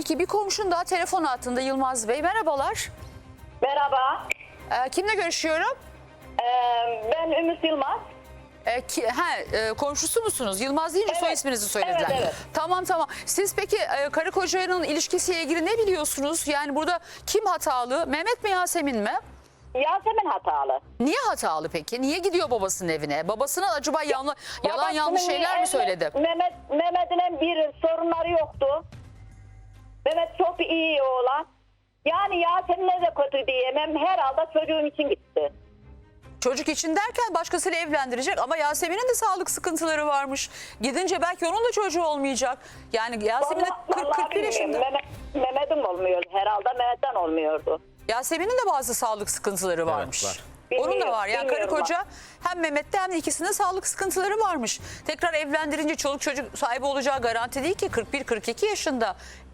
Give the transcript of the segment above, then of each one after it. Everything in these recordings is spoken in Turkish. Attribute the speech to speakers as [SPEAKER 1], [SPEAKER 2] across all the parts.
[SPEAKER 1] Peki bir komşun daha telefon hattında Yılmaz Bey. Merhabalar.
[SPEAKER 2] Merhaba.
[SPEAKER 1] Kimle görüşüyorum?
[SPEAKER 2] Ben Ümit Yılmaz.
[SPEAKER 1] Komşusu musunuz? Yılmaz deyince
[SPEAKER 2] Evet.
[SPEAKER 1] soy isminizi söylediler.
[SPEAKER 2] Evet, evet.
[SPEAKER 1] Tamam. Siz peki karı kocanın ilişkisiyle ilgili ne biliyorsunuz? Yani burada kim hatalı? Mehmet mi, Yasemin mi?
[SPEAKER 2] Yasemin hatalı.
[SPEAKER 1] Niye hatalı peki? Niye gidiyor babasının evine? Babasına acaba yalan
[SPEAKER 2] Babasının
[SPEAKER 1] yanlış şeyler mi söyledi?
[SPEAKER 2] Mehmet'in bir sorunları yoktu. Mehmet çok iyi oğlan. Yani Yasemin'e de kötü diyemem. Herhalde çocuğum için gitti.
[SPEAKER 1] Çocuk için derken başkasıyla evlendirecek ama Yasemin'in de sağlık sıkıntıları varmış. Gidince belki onun da çocuğu olmayacak. Yani Yasemin de
[SPEAKER 2] Vallahi
[SPEAKER 1] 40-41 yaşında.
[SPEAKER 2] bilmiyorum. Mehmet'in olmuyor. Herhalde Mehmet'ten olmuyordu.
[SPEAKER 1] Yasemin'in de bazı sağlık sıkıntıları varmış.
[SPEAKER 3] var.
[SPEAKER 1] Onun da var. Yani karı
[SPEAKER 2] Bilmiyorum
[SPEAKER 1] koca hem Mehmet'te hem de ikisinde sağlık sıkıntıları varmış. Tekrar evlendirince çoluk çocuk sahibi olacağı garanti değil ki 41-42 yaşında.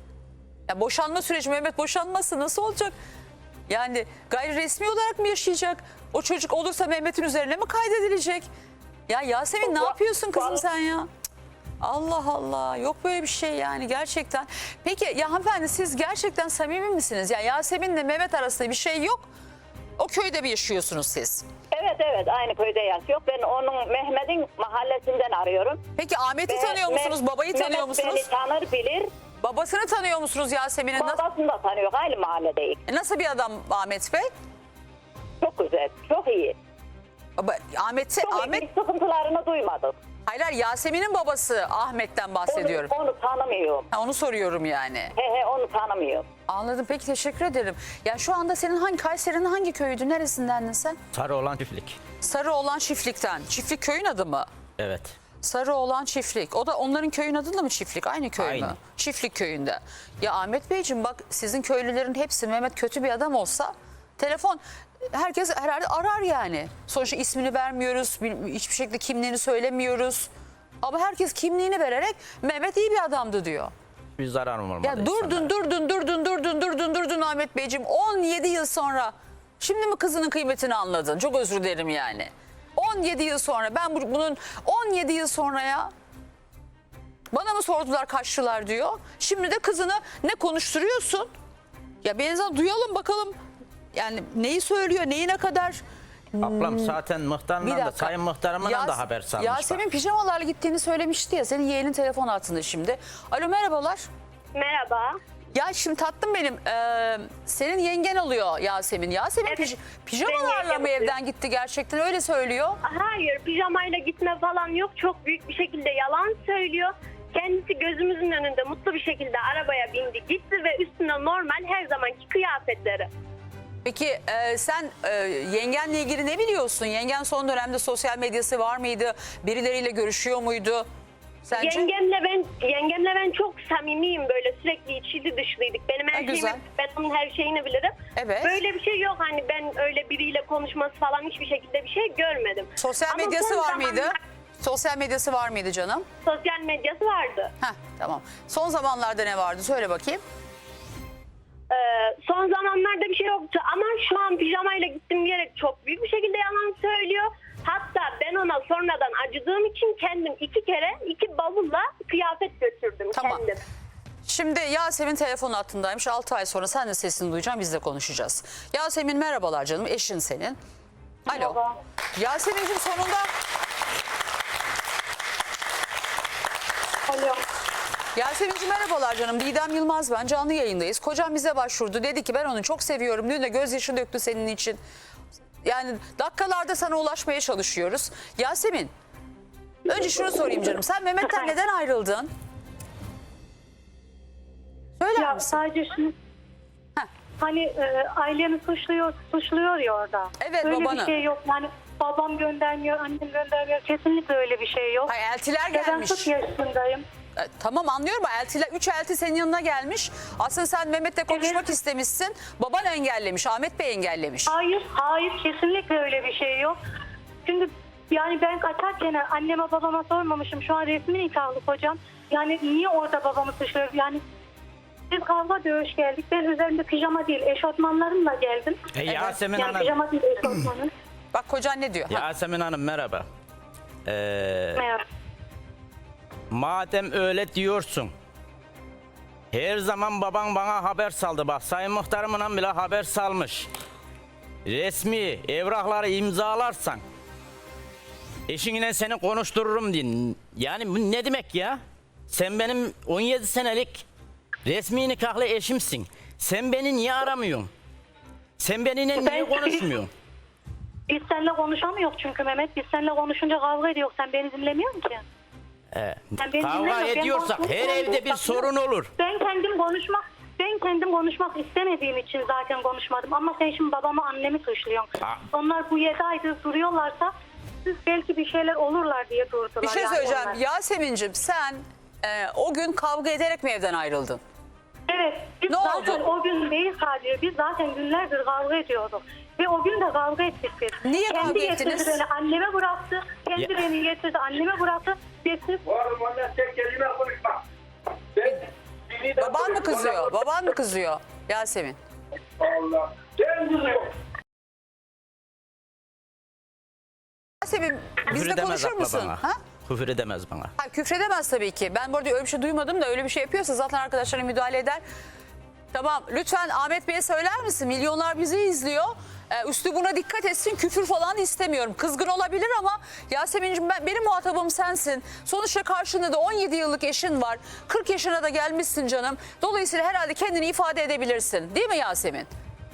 [SPEAKER 1] Ya boşanma süreci, Mehmet boşanması nasıl olacak? Yani gayri resmi olarak mı yaşayacak? O çocuk olursa Mehmet'in üzerine mi kaydedilecek? Ya Yasemin ne yapıyorsun kızım sen ya? Cık. Allah Allah, yok böyle bir şey yani gerçekten. Peki ya hanımefendi, siz gerçekten samimi misiniz? Ya Yasemin'le Mehmet arasında bir şey yok. O köyde mi yaşıyorsunuz siz?
[SPEAKER 2] Evet aynı köyde yaşıyor. Ben onun Mehmet'in mahallesinden arıyorum.
[SPEAKER 1] Peki Ahmet'i tanıyor musunuz? Babayı tanıyor musunuz?
[SPEAKER 2] Mehmet beni tanır bilir.
[SPEAKER 1] Babasını tanıyor musunuz Yasemin'in?
[SPEAKER 2] Babasını da tanıyor. Aynı mahalledeyiz.
[SPEAKER 1] Nasıl bir adam Ahmet Bey?
[SPEAKER 2] Çok güzel. Çok iyi.
[SPEAKER 1] Ahmet
[SPEAKER 2] Bir sıkıntılarını duymadım.
[SPEAKER 1] hayır, Yasemin'in babası Ahmet'ten bahsediyorum.
[SPEAKER 2] Onu tanımıyorum.
[SPEAKER 1] Onu soruyorum yani.
[SPEAKER 2] Onu tanımıyorum.
[SPEAKER 1] Anladım, peki teşekkür ederim. Ya şu anda senin Kayseri'nin hangi köyüydü? Neresindendin sen?
[SPEAKER 3] Sarıoğlan çiftlik.
[SPEAKER 1] Sarıoğlan Çiftlik'ten. Çiftlik köyün adı mı?
[SPEAKER 3] Evet.
[SPEAKER 1] Sarıoğlan Çiftlik. O da onların köyün adı da mı Çiftlik? Aynı köy mü?
[SPEAKER 3] Aynı.
[SPEAKER 1] Çiftlik köyünde. Ya Ahmet Beyciğim bak, sizin köylülerin hepsi Mehmet kötü bir adam olsa telefon herkes herhalde arar yani. Sonuçta ismini vermiyoruz. Hiçbir şekilde kimliğini söylemiyoruz. Ama herkes kimliğini vererek Mehmet iyi bir adamdı diyor.
[SPEAKER 3] Bir zararım olmadı.
[SPEAKER 1] Ya durdun Ahmet Beyciğim. 17 yıl sonra şimdi mi kızının kıymetini anladın? Çok özür dilerim yani. 17 yıl sonra ben bunun 17 yıl sonra ya bana mı sordular, kaçtılar diyor. Şimdi de kızını ne konuşturuyorsun? Ya bir insan duyalım bakalım. Yani neyi söylüyor, neyi ne kadar.
[SPEAKER 3] Ablam zaten
[SPEAKER 1] Bir
[SPEAKER 3] muhtarımdan da
[SPEAKER 1] dakika.
[SPEAKER 3] sayın muhtarımdan da haber salmış.
[SPEAKER 1] Yasemin pijamalarla gittiğini söylemişti ya. Senin yeğenin telefon altında şimdi. Alo, merhabalar.
[SPEAKER 2] Merhaba.
[SPEAKER 1] Ya şimdi tatlım benim, senin yengen oluyor Yasemin. Yasemin
[SPEAKER 2] Evet,
[SPEAKER 1] pijamalarla
[SPEAKER 2] benim
[SPEAKER 1] mı
[SPEAKER 2] yengem.
[SPEAKER 1] evden gitti, gerçekten öyle söylüyor.
[SPEAKER 4] Hayır, pijamayla gitme falan yok. Çok büyük bir şekilde yalan söylüyor. Kendisi gözümüzün önünde mutlu bir şekilde arabaya bindi gitti ve üstüne normal her zamanki kıyafetleri.
[SPEAKER 1] Peki sen yengenle ilgili ne biliyorsun? Yengen son dönemde sosyal medyası var mıydı? Birileriyle görüşüyor muydu? Sence?
[SPEAKER 4] Yengemle ben çok samimiyim, böyle sürekli içli dışlıydık. Benim her
[SPEAKER 1] güzel.
[SPEAKER 4] şeyimi, ben onun her şeyini bilirim.
[SPEAKER 1] Evet.
[SPEAKER 4] Böyle bir şey yok, hani ben öyle biriyle konuşması falan hiçbir şekilde bir şey görmedim.
[SPEAKER 1] Sosyal
[SPEAKER 4] Ama
[SPEAKER 1] medyası
[SPEAKER 4] son
[SPEAKER 1] var mıydı?
[SPEAKER 4] zamanlar
[SPEAKER 1] Sosyal medyası var mıydı canım?
[SPEAKER 4] Sosyal medyası vardı.
[SPEAKER 1] Heh, tamam. Son zamanlarda ne vardı? Söyle bakayım.
[SPEAKER 4] Son zamanlarda bir şey yoktu ama şu an pijamayla gittim diyerek çok büyük bir şekilde yalan söylüyor. Hatta ben ona sonradan acıdığım için kendim 2 kere 2 bavulla kıyafet götürdüm
[SPEAKER 1] Tamam.
[SPEAKER 4] kendim.
[SPEAKER 1] Şimdi Yasemin telefon hattındaymış. 6 ay sonra sen de sesini duyacağım, biz de konuşacağız. Yasemin merhabalar canım, eşin senin. Alo.
[SPEAKER 2] Merhaba.
[SPEAKER 1] Yasemin'cim sonunda...
[SPEAKER 2] Alo.
[SPEAKER 1] Yasemin'cim merhabalar canım. Didem Yılmaz ben, canlı yayındayız. Kocam bize başvurdu. Dedi ki ben onu çok seviyorum. Dün de gözyaşı döktü senin için. Yani dakikalarda sana ulaşmaya çalışıyoruz. Yasemin, önce şunu sorayım canım. Sen Mehmet'ten neden ayrıldın? Söyler
[SPEAKER 5] Ya
[SPEAKER 1] misin?
[SPEAKER 5] sadece şunu,
[SPEAKER 1] Heh.
[SPEAKER 5] hani aileni suçluyor ya orada.
[SPEAKER 1] Evet,
[SPEAKER 5] öyle
[SPEAKER 1] babanı.
[SPEAKER 5] bir şey yok. Yani babam göndermiyor, annem göndermiyor. Kesinlikle öyle bir şey yok.
[SPEAKER 1] Hayır, eltiler
[SPEAKER 5] Ya ben
[SPEAKER 1] gelmiş.
[SPEAKER 5] 40 yaşındayım.
[SPEAKER 1] Tamam, anlıyorum. Eltiler, 3 elti senin yanına gelmiş. Aslında sen Mehmet'le konuşmak
[SPEAKER 5] Evet.
[SPEAKER 1] istemişsin. Baban engellemiş, Ahmet Bey engellemiş.
[SPEAKER 5] Hayır kesinlikle öyle bir şey yok. Çünkü yani ben kaçarken anneme babama sormamışım. Şu an resmi nikahlı kocam. Yani niye orada babamı suçluyor? Yani biz kavga dövüş geldik. Ben üzerimde pijama değil eşofmanlarımla geldim.
[SPEAKER 3] Yasemin
[SPEAKER 5] Yani
[SPEAKER 3] Hanım.
[SPEAKER 5] pijama değil eşofmanım.
[SPEAKER 1] Bak kocan ne diyor? Ha.
[SPEAKER 3] Yasemin Hanım merhaba.
[SPEAKER 5] Merhaba.
[SPEAKER 3] Madem öyle diyorsun. Her zaman baban bana haber saldı. Bak sayın muhtarımla bile haber salmış. Resmi evrakları imzalarsan eşinle seni konuştururum diye. Yani bu ne demek ya? Sen benim 17 senelik resmi nikahlı eşimsin. Sen beni niye aramıyorsun? Sen benimle niye konuşmuyorsun?
[SPEAKER 5] Biz seninle konuşamıyoruz çünkü Mehmet. Biz seninle konuşunca kavga ediyoruz. Sen beni dinlemiyorsun ki. Sen beni
[SPEAKER 3] Kavga
[SPEAKER 5] dinlemiyorsun. Ben
[SPEAKER 3] ediyorsak her
[SPEAKER 5] konuşmak
[SPEAKER 3] evde bir
[SPEAKER 5] istiyorum.
[SPEAKER 3] sorun olur.
[SPEAKER 5] Ben kendim konuşmak istemediğim için zaten konuşmadım. Ama sen şimdi babamı, annemi suçluyorsun. Onlar bu 7 aydır duruyorlarsa siz belki bir şeyler olurlar diye durdular.
[SPEAKER 1] Bir şey
[SPEAKER 5] yani
[SPEAKER 1] söyleyeceğim.
[SPEAKER 5] onlar.
[SPEAKER 1] Yasemin'cim sen o gün kavga ederek mi evden ayrıldın?
[SPEAKER 5] Evet. Biz
[SPEAKER 1] Ne
[SPEAKER 5] zaten
[SPEAKER 1] oldu?
[SPEAKER 5] o gün değil sadece. Biz zaten günlerdir kavga ediyorduk. Ve o gün de kavga ettik biz.
[SPEAKER 1] Niye
[SPEAKER 5] Kendi
[SPEAKER 1] kavga
[SPEAKER 5] getirdi
[SPEAKER 1] ettiniz?
[SPEAKER 5] beni anneme bıraktı. Kendi
[SPEAKER 3] Ya.
[SPEAKER 5] beni getirdi anneme bıraktı. Getirip
[SPEAKER 6] Oğlum ondan tek kelime konuşma.
[SPEAKER 1] Baban mı kızıyor? Baban mı kızıyor Yasemin?
[SPEAKER 6] Allah. Sen kızıyorsun.
[SPEAKER 1] Yasemin
[SPEAKER 3] Küfür
[SPEAKER 1] bizle
[SPEAKER 3] edemez
[SPEAKER 1] konuşur
[SPEAKER 3] abla
[SPEAKER 1] musun?
[SPEAKER 3] bana.
[SPEAKER 1] Ha?
[SPEAKER 3] Küfür edemez bana.
[SPEAKER 1] Ha, küfredemez tabii ki. Ben bu arada öyle bir şey duymadım da öyle bir şey yapıyorsa zaten arkadaşlarına müdahale eder. Tamam, lütfen Ahmet Bey'e söyler misin? Milyonlar bizi izliyor. Üslubuna dikkat etsin, küfür falan istemiyorum. Kızgın olabilir ama Yasemin'cim benim muhatabım sensin. Sonuçta karşında da 17 yıllık eşin var. 40 yaşına da gelmişsin canım. Dolayısıyla herhalde kendini ifade edebilirsin. Değil mi Yasemin?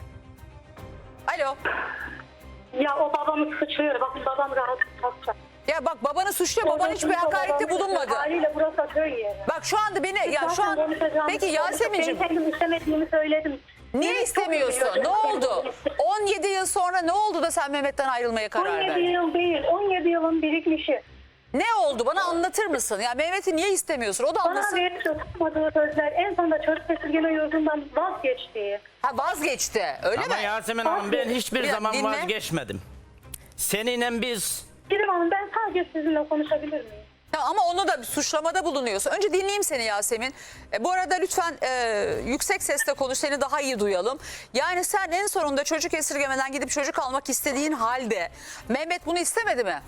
[SPEAKER 1] Alo.
[SPEAKER 5] ya o babamı suçluyor. Bakın babam rahat kalkacak.
[SPEAKER 1] Ya bak babanı suçluyor. Baban hiçbir hakarette bulunmadı.
[SPEAKER 5] Haliyle burası köy yeri.
[SPEAKER 1] Bak şu anda beni ya şu an peki Yasemin'cim
[SPEAKER 5] Ben kendim istemediğimi söyledim.
[SPEAKER 1] niye
[SPEAKER 5] Beni çok
[SPEAKER 1] istemiyorsun?
[SPEAKER 5] üzüyor.
[SPEAKER 1] Ne oldu? 17 yıl sonra ne oldu da sen Mehmet'ten ayrılmaya karar
[SPEAKER 5] 17
[SPEAKER 1] verdin?
[SPEAKER 5] yıl değil, 17 yılın birikmişi.
[SPEAKER 1] Ne oldu? Bana anlatır mısın? Ya Mehmet'i niye istemiyorsun? O da
[SPEAKER 5] Bana
[SPEAKER 1] anlasın.
[SPEAKER 5] verip tutmadığı sözler en sonunda çocuk esirgeme yurdundan vazgeçtiği.
[SPEAKER 1] Ha vazgeçti. Öyle
[SPEAKER 3] Ama
[SPEAKER 1] mi?
[SPEAKER 3] Yasemin Hanım ben hiçbir
[SPEAKER 1] Bir
[SPEAKER 3] zaman
[SPEAKER 1] dinle.
[SPEAKER 3] vazgeçmedim. Seninle biz
[SPEAKER 5] Girim Hanım ben sadece sizinle konuşabilir miyim?
[SPEAKER 1] Ya ama onu da suçlamada bulunuyorsun. Önce dinleyeyim seni Yasemin. Bu arada lütfen yüksek sesle konuş, seni daha iyi duyalım. Yani sen en sonunda çocuk esirgemeden gidip çocuk almak istediğin halde Mehmet bunu istemedi mi?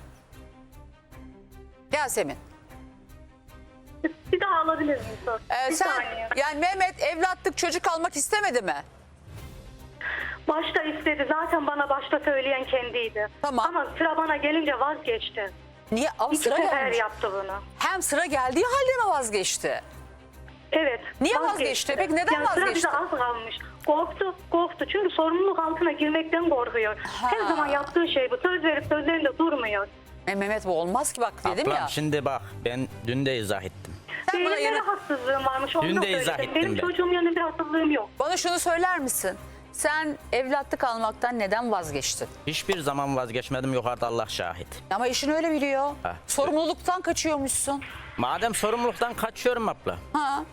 [SPEAKER 1] Yasemin.
[SPEAKER 5] Bir daha alabilir miyim sor? Bir
[SPEAKER 1] Sen
[SPEAKER 5] saniye.
[SPEAKER 1] yani Mehmet evlatlık çocuk almak istemedi mi?
[SPEAKER 5] Başta istedi. Zaten bana başta söyleyen kendiydi.
[SPEAKER 1] Tamam.
[SPEAKER 5] Ama sıra bana gelince vazgeçti.
[SPEAKER 1] Niye? Ama
[SPEAKER 5] İki
[SPEAKER 1] sıra
[SPEAKER 5] sefer
[SPEAKER 1] gelmiş.
[SPEAKER 5] yaptı bunu.
[SPEAKER 1] Hem sıra geldiği halde mi vazgeçti?
[SPEAKER 5] Evet.
[SPEAKER 1] Niye vazgeçti? Peki neden
[SPEAKER 5] yani
[SPEAKER 1] vazgeçti?
[SPEAKER 5] Sıra bize az kalmış. Korktu. Çünkü sorumluluk altına girmekten korkuyor. Her zaman yaptığı şey bu. Söz verip sözlerinde durmuyor.
[SPEAKER 1] Mehmet bu olmaz ki bak dedim
[SPEAKER 3] ablam
[SPEAKER 1] ya.
[SPEAKER 3] şimdi bak ben dün de izah ettim.
[SPEAKER 1] Sen bana,
[SPEAKER 5] Benim rahatsızlığım varmış. Onu
[SPEAKER 3] Dün
[SPEAKER 5] da
[SPEAKER 3] de izah
[SPEAKER 5] söyledim.
[SPEAKER 3] ettim
[SPEAKER 5] Benim
[SPEAKER 3] ben.
[SPEAKER 5] çocuğum yanında bir rahatsızlığım yok.
[SPEAKER 1] bana şunu söyler misin? Sen evlatlık almaktan neden vazgeçtin?
[SPEAKER 3] Hiçbir zaman vazgeçmedim, yukarıda Allah şahit.
[SPEAKER 1] Ama eşin öyle biliyor.
[SPEAKER 3] Ha.
[SPEAKER 1] Sorumluluktan kaçıyormuşsun.
[SPEAKER 3] Madem sorumluluktan kaçıyorum abla.
[SPEAKER 1] Ha.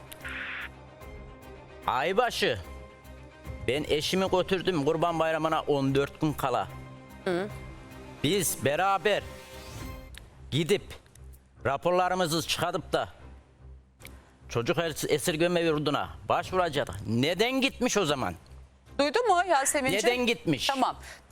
[SPEAKER 3] Aybaşı ben eşimi götürdüm Kurban Bayramı'na 14 gün kala. Biz beraber gidip raporlarımızı çıkartıp da çocuk esirgeme yurduna başvuracaktık. Neden gitmiş o zaman?
[SPEAKER 1] Duydun mu Yasemin'ciğim?
[SPEAKER 3] Neden gitmiş?
[SPEAKER 1] Tamam.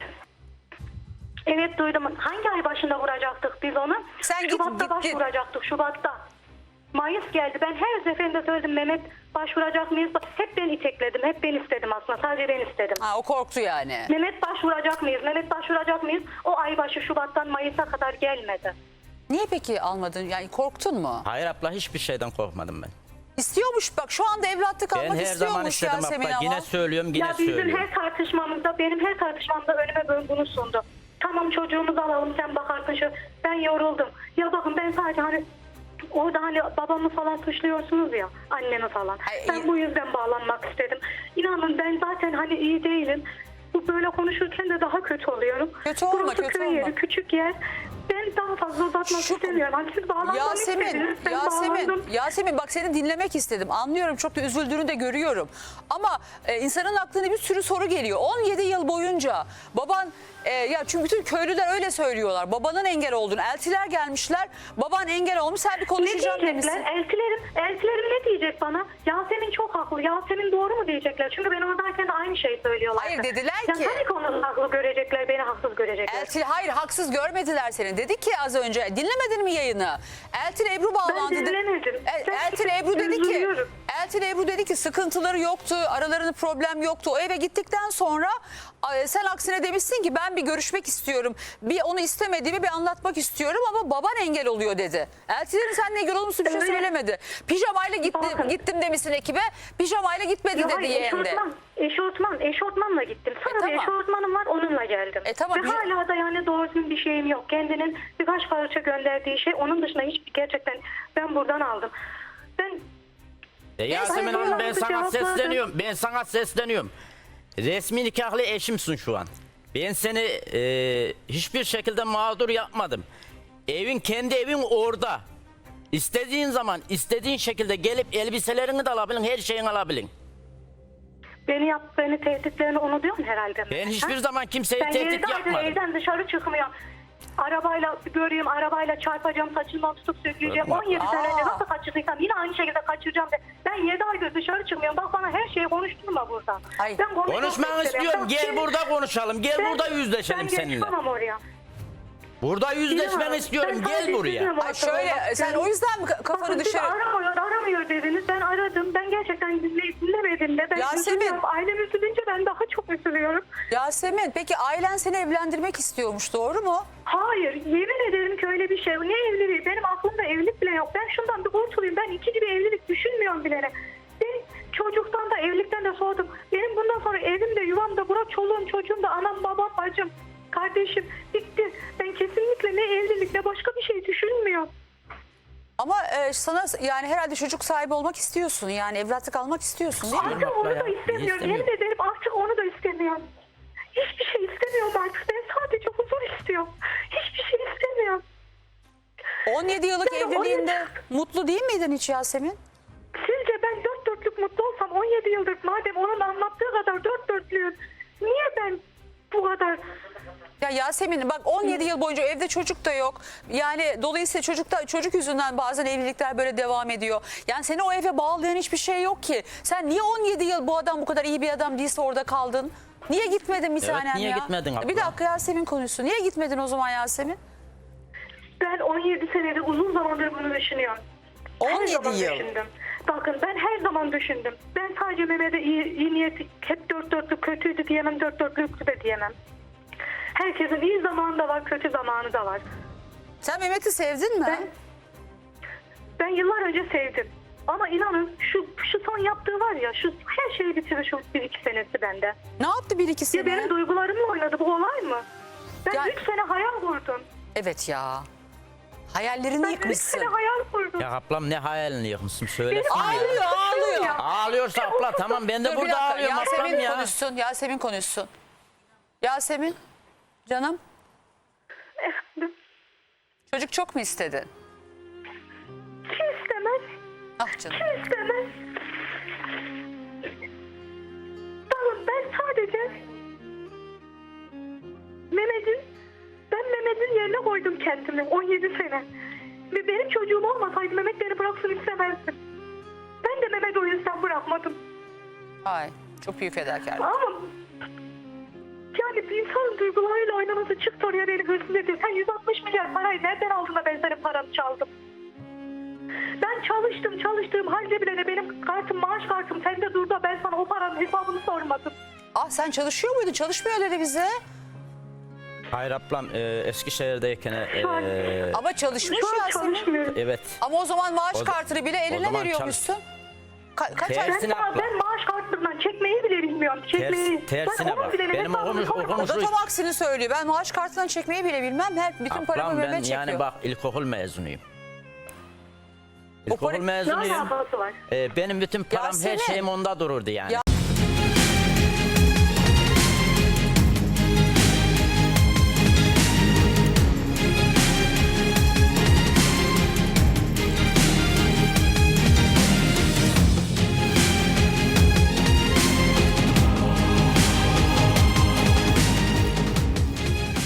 [SPEAKER 5] Evet duydum. Hangi ay başında vuracaktık biz onu?
[SPEAKER 1] Sen git,
[SPEAKER 5] Şubat'ta
[SPEAKER 1] git.
[SPEAKER 5] başvuracaktık. Şubat'ta. Mayıs geldi. Ben her seferinde söyledim Mehmet başvuracak mıyız? Hep ben itekledim. Hep ben istedim aslında. Sadece ben istedim.
[SPEAKER 1] Ha, o korktu yani.
[SPEAKER 5] Mehmet başvuracak mıyız? Mehmet başvuracak mıyız? O ay başı Şubat'tan Mayıs'a kadar gelmedi.
[SPEAKER 1] Niye peki almadın? Yani korktun mu?
[SPEAKER 3] Hayır abla hiçbir şeyden korkmadım ben.
[SPEAKER 1] İstiyormuş bak şu anda evlatlık
[SPEAKER 3] Ben
[SPEAKER 1] almak
[SPEAKER 3] her zaman
[SPEAKER 1] istiyormuş
[SPEAKER 3] istedim
[SPEAKER 1] Yasemin
[SPEAKER 3] abla.
[SPEAKER 1] ama.
[SPEAKER 3] Yine söylüyorum yine
[SPEAKER 5] Ya bizim
[SPEAKER 3] söylüyorum.
[SPEAKER 5] benim her tartışmamda önüme böyle bunu sundu. Tamam çocuğumuzu alalım sen bakarsın şu. Ben yoruldum. Ya bakın ben sadece hani orada hani babamı falan suçluyorsunuz ya annemi falan.
[SPEAKER 1] Ay,
[SPEAKER 5] Ben bu yüzden bağlanmak istedim. İnanın ben zaten hani iyi değilim. Bu böyle konuşurken de daha kötü oluyorum.
[SPEAKER 1] Kötü olma,
[SPEAKER 5] Burası
[SPEAKER 1] kötü
[SPEAKER 5] köy
[SPEAKER 1] olma.
[SPEAKER 5] yeri, küçük yer. Ben daha fazla uzatmak istemiyorum. Hani siz bağlanmak istediniz. Ben bağlandım.
[SPEAKER 1] Yasemin bak seni dinlemek istedim. Anlıyorum çok da üzüldüğünü de görüyorum. Ama insanın aklına bir sürü soru geliyor. 17 yıl boyunca baban ya çünkü bütün köylüler öyle söylüyorlar. Babanın engel olduğunu. Eltiler gelmişler. Baban engel olmuş. Sen bir
[SPEAKER 5] Ne
[SPEAKER 1] konuşacağım
[SPEAKER 5] diyecekler?
[SPEAKER 1] demişsin.
[SPEAKER 5] Eltilerim ne diyecek bana? Yasemin çok haklı. Yasemin doğru mu diyecekler? Çünkü ben oradayken de aynı şeyi söylüyorlar.
[SPEAKER 1] Hayır, dediler
[SPEAKER 5] ya
[SPEAKER 1] ki-
[SPEAKER 5] hangi konuda haklı görecekler, beni haksız görecekler?
[SPEAKER 1] Hayır haksız görmediler seni. yani. Dedi ki az önce, dinlemedin mi yayını? Eltin Ebru bağlandı.
[SPEAKER 5] Ben dinlemedim.
[SPEAKER 1] Eltin Ebru dedi ki,
[SPEAKER 5] Üzülüyorum.
[SPEAKER 1] Eltin Ebru dedi ki sıkıntıları yoktu, aralarında problem yoktu. O eve gittikten sonra sen aksine demişsin ki ben bir görüşmek istiyorum. Bir onu istemediğimi bir anlatmak istiyorum ama baban engel oluyor dedi. Eltin Ebru sen engel olur musun bir şey
[SPEAKER 5] Öyle.
[SPEAKER 1] söylemedi. Pijamayla
[SPEAKER 5] Bakın.
[SPEAKER 1] gittim demişsin ekibe. Pijamayla gitmedi
[SPEAKER 5] Ya
[SPEAKER 1] dedi
[SPEAKER 5] hayır,
[SPEAKER 1] yeğende.
[SPEAKER 5] eşortmanla gittim. Sonra
[SPEAKER 1] tamam.
[SPEAKER 5] bir eşortmanım var, onunla geldim.
[SPEAKER 1] Tamam,
[SPEAKER 5] Ve
[SPEAKER 1] güzel.
[SPEAKER 5] hala da yani doğru düzgün bir şeyim yok. Kendinin birkaç parça gönderdiği şey, onun dışında hiçbir, gerçekten ben buradan aldım. Ben
[SPEAKER 3] Yasemin
[SPEAKER 5] Hayır,
[SPEAKER 3] Hanım ben
[SPEAKER 5] hayır,
[SPEAKER 3] sana
[SPEAKER 5] cevapladım.
[SPEAKER 3] sesleniyorum. Ben sana sesleniyorum. Resmi nikahlı eşimsin şu an. Ben seni hiçbir şekilde mağdur yapmadım. Kendi evin orada. İstediğin zaman istediğin şekilde gelip elbiselerini de alabilin, her şeyini alabilin.
[SPEAKER 5] beni tehditlerini unutuyorsun herhalde.
[SPEAKER 3] Ben hiçbir zaman kimseyi
[SPEAKER 5] Ben
[SPEAKER 3] tehdit
[SPEAKER 5] yıllardır
[SPEAKER 3] yapmadım.
[SPEAKER 5] evden dışarı çıkmıyorum. Arabayla göreyim, arabayla çarpacağım, saçından tutup sökeceğim.
[SPEAKER 3] Bakma.
[SPEAKER 5] 17 sene önce nasıl kaçırdıysam yine aynı şekilde kaçıracağım. Ben 7 aydır dışarı çıkmıyorum. Bak bana her şeyi konuşturma burada.
[SPEAKER 1] Ay,
[SPEAKER 5] Ben konuşmak
[SPEAKER 3] Konuşmanı
[SPEAKER 5] istemiyorum.
[SPEAKER 3] istiyorum.
[SPEAKER 5] Bak,
[SPEAKER 3] Gel burada konuşalım. Gel burada yüzleşelim
[SPEAKER 5] ben
[SPEAKER 3] seninle.
[SPEAKER 5] geçmem oraya.
[SPEAKER 3] Burada yüzleşmeni
[SPEAKER 5] İnan,
[SPEAKER 3] istiyorum.
[SPEAKER 5] ben
[SPEAKER 3] Gel
[SPEAKER 5] sadece
[SPEAKER 3] buraya.
[SPEAKER 5] sizinle
[SPEAKER 1] Ay
[SPEAKER 5] muhatap
[SPEAKER 1] şöyle
[SPEAKER 5] olmak
[SPEAKER 1] sen
[SPEAKER 5] istiyorum.
[SPEAKER 1] o yüzden mi kafanı
[SPEAKER 5] Bakın siz
[SPEAKER 1] dışarı...
[SPEAKER 5] aramıyor dediniz. Ben aradım. Ben gerçekten dinlemedim de. Ben
[SPEAKER 1] Yasemin.
[SPEAKER 5] üzülüyorum. Ailem üzülünce ben daha çok üzülüyorum.
[SPEAKER 1] Yasemin peki ailen seni evlendirmek istiyormuş doğru mu?
[SPEAKER 5] Hayır, yemin ederim ki öyle bir şey. Ne evliliği? Benim aklımda evlilik bile yok. Ben şundan bir kurtulayım. Ben ikinci bir evlilik düşünmüyorum bile. Ben çocuktan da evlilikten de soğudum. Benim bundan sonra evim de yuvam da bırak çoluğum çocuğum da anam babam bacım kardeşim bitti. Ben kesinlikle ne evlilik ne başka bir şey düşünmüyorum.
[SPEAKER 1] Ama sana yani herhalde çocuk sahibi olmak istiyorsun yani evlatlık almak istiyorsun değil mi?
[SPEAKER 5] Artık
[SPEAKER 3] abla
[SPEAKER 5] onu
[SPEAKER 3] ya,
[SPEAKER 5] da
[SPEAKER 3] niye
[SPEAKER 5] istemiyorum.
[SPEAKER 3] istemiyorsun?
[SPEAKER 5] Yemin ederim artık onu da istemiyorum. Hiçbir şey istemiyorum artık. Ben sadece huzur istiyorum. Hiçbir şey istemiyorum.
[SPEAKER 1] 17 yıllık
[SPEAKER 5] Yani
[SPEAKER 1] evliliğinde mutlu değil miydin hiç Yasemin?
[SPEAKER 5] Sizce ben dört dörtlük mutlu olsam 17 yıldır madem onun anlattığı kadar dört dörtlüyüm. Niye ben bu kadar...
[SPEAKER 1] Ya Yasemin bak 17 yıl boyunca evde çocuk da yok. Yani dolayısıyla çocuk yüzünden bazen evlilikler böyle devam ediyor. Yani seni o eve bağlayan hiçbir şey yok ki. Sen niye 17 yıl bu adam bu kadar iyi bir adam değilse orada kaldın? Niye gitmedin bir tanem
[SPEAKER 3] niye
[SPEAKER 1] ya?
[SPEAKER 3] gitmedin abla?
[SPEAKER 1] Bir dakika Yasemin konuşsun. Niye gitmedin o zaman Yasemin?
[SPEAKER 5] Ben 17 senedir uzun zamandır bunu düşünüyorum. Her
[SPEAKER 1] 17
[SPEAKER 5] zaman
[SPEAKER 1] yıl.
[SPEAKER 5] düşündüm. Bakın ben her zaman düşündüm. Ben sadece Mehmet'e iyi niyeti hep dört dörtlük kötüydü diyemem, dört dörtlüktü de diyemem. Herkesin iyi zamanı da var, kötü zamanı da var.
[SPEAKER 1] Sen Mehmet'i sevdin mi?
[SPEAKER 5] Ben yıllar önce sevdim. Ama inanın şu son yaptığı var ya, şu her şeyi bitirdi şu 1-2 senesi bende.
[SPEAKER 1] Ne yaptı 1-2
[SPEAKER 5] Ya
[SPEAKER 1] sene?
[SPEAKER 5] benim duygularımla oynadı, bu olay mı? Ben
[SPEAKER 1] Ya-
[SPEAKER 5] 3 sene hayal kurdum.
[SPEAKER 1] Evet ya. Hayallerini
[SPEAKER 5] Ben 3
[SPEAKER 1] yıkmışsın.
[SPEAKER 5] sene hayal kurdum.
[SPEAKER 3] Ya ablam ne hayalini yıkmışsın söylesin ya.
[SPEAKER 1] Ağlıyor ağlıyor.
[SPEAKER 5] Ya.
[SPEAKER 3] Ağlıyorsa abla tamam ben de
[SPEAKER 1] Dur bir
[SPEAKER 3] burada
[SPEAKER 1] dakika
[SPEAKER 3] ağlıyorum ablam
[SPEAKER 1] Yasemin
[SPEAKER 3] ya.
[SPEAKER 1] konuşsun. Yasemin konuşsun. Yasemin canım çocuk çok mu istedin?
[SPEAKER 5] Kim istemez?
[SPEAKER 1] Ah canım.
[SPEAKER 5] Kim istemez? Bakın ben sadece Mehmet'in yerine koydum kendimi 17 sene. Ve benim çocuğum olmasaydı Mehmet beni bıraksın istemezdim. Ben de Mehmet'i o yüzden bırakmadım.
[SPEAKER 1] Ay çok büyük fedakarlık.
[SPEAKER 5] Ama yani bir insanın duygularıyla oynaması çık oraya beni hırsız ediyor. Sen 160 milyar parayı nereden aldın da ben senin paranı çaldım? Ben çalıştığım halde bile de benim kartım, maaş kartım sende durdu da ben sana o paranın hesabını sormadım.
[SPEAKER 1] Ah sen çalışıyor muydun? Çalışmıyor dedi bize.
[SPEAKER 3] Hayır ablam Eskişehir'deyken
[SPEAKER 5] Şu an-
[SPEAKER 1] Ama çalışmış
[SPEAKER 5] Şu an
[SPEAKER 1] Yasemin.
[SPEAKER 5] çalışmıyorum.
[SPEAKER 3] evet.
[SPEAKER 1] Ama o zaman maaş
[SPEAKER 3] O-
[SPEAKER 1] kartını bile
[SPEAKER 3] o
[SPEAKER 1] eline
[SPEAKER 3] zaman
[SPEAKER 1] veriyormuşsun. Kaç ay?
[SPEAKER 3] Tersine abla.
[SPEAKER 5] Ben maaş kartından çekmeyi bile bilmiyorum. Çekmeyi.
[SPEAKER 3] Tersine
[SPEAKER 5] Ben onun
[SPEAKER 3] bak.
[SPEAKER 5] bile
[SPEAKER 3] Benim
[SPEAKER 5] hesabını sormadım.
[SPEAKER 1] O da tam aksini söylüyor. Ben maaş kartından çekmeyi bile bilmem. Bütün paramı
[SPEAKER 3] Ablam ben
[SPEAKER 1] Mehmet çekiyor.
[SPEAKER 3] yani bak ilkokul mezunuyum.
[SPEAKER 1] O para-
[SPEAKER 3] İlkokul
[SPEAKER 5] Ne
[SPEAKER 3] mezunuyum.
[SPEAKER 5] alakası var?
[SPEAKER 3] Benim bütün param her
[SPEAKER 1] Yasemin.
[SPEAKER 3] şeyim onda dururdu yani.
[SPEAKER 1] Ya